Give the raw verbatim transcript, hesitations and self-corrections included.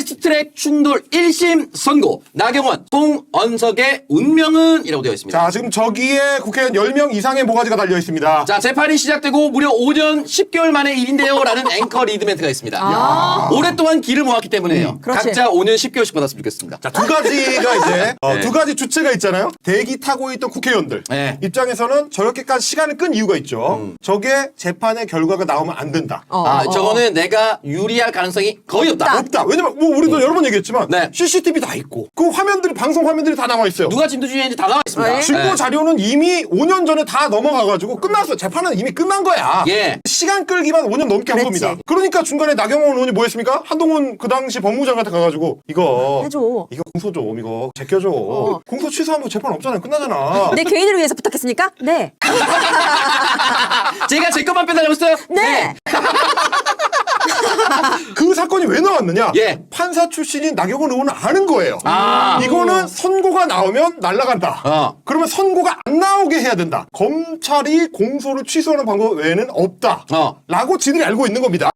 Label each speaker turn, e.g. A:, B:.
A: 패스트트랙 충돌 일 심 선고. 나경원, 송언석의 운명은? 이라고 되어 있습니다.
B: 자, 지금 저기에 국회의원 열 명 이상의 모가지가 달려 있습니다.
A: 자, 재판이 시작되고 무려 오 년 십 개월 만의 일인데요. 라는 앵커 리드 멘트가 있습니다.
C: 아.
A: 오랫동안 길을 모았기 때문에요.
C: 음, 그렇지.
A: 각자 오 년 십 개월씩 받았으면 좋겠습니다.
B: 자, 두 가지가 이제 어,
A: 네.
B: 두 가지 주체가 있잖아요. 대기 타고 있던 국회의원들
A: 네.
B: 입장에서는 저렇게까지 시간을 끈 이유가 있죠.
A: 음.
B: 저게 재판의 결과가 나오면 안 된다.
C: 어,
A: 아,
C: 어,
A: 저거는 내가 유리할 가능성이 거의 없다.
B: 없다. 왜냐면 뭐 우리도 여러 번 얘기했지만
A: 네.
B: 씨씨티비 다 있고 그 화면들이 방송 화면들이 다 나와 있어요.
A: 누가 진두지휘인지 다 나와 있습니다.
C: 네.
B: 증거
A: 네.
B: 자료는 이미 오 년 전에 다 넘어가가지고 끝났어. 재판은 이미 끝난 거야.
A: 예.
B: 시간 끌기만 오 년 넘게 한
C: 그랬지.
B: 겁니다. 그러니까 중간에 나경원 의원이 뭐 했습니까? 한동훈 그 당시 법무장관한테 가가지고 이거
C: 해줘.
B: 이거 공소 좀 이거 제껴줘. 공소 취소하면 재판 없잖아요. 끝나잖아.
C: 내 개인을 위해서 부탁했습니까? 네.
A: 제가 제 것만 빼달라고 했어요?
C: 네.
B: 그 사건이 왜 나왔느냐?
A: 예.
B: 판사 출신인 나경원 의원은 아는 거예요.
A: 아.
B: 이거는 선고가 나오면 날아간다.
A: 어.
B: 그러면 선고가 안 나오게 해야 된다. 검찰이 공소를 취소하는 방법 외에는 없다.
A: 어.
B: 라고 지들이 알고 있는 겁니다.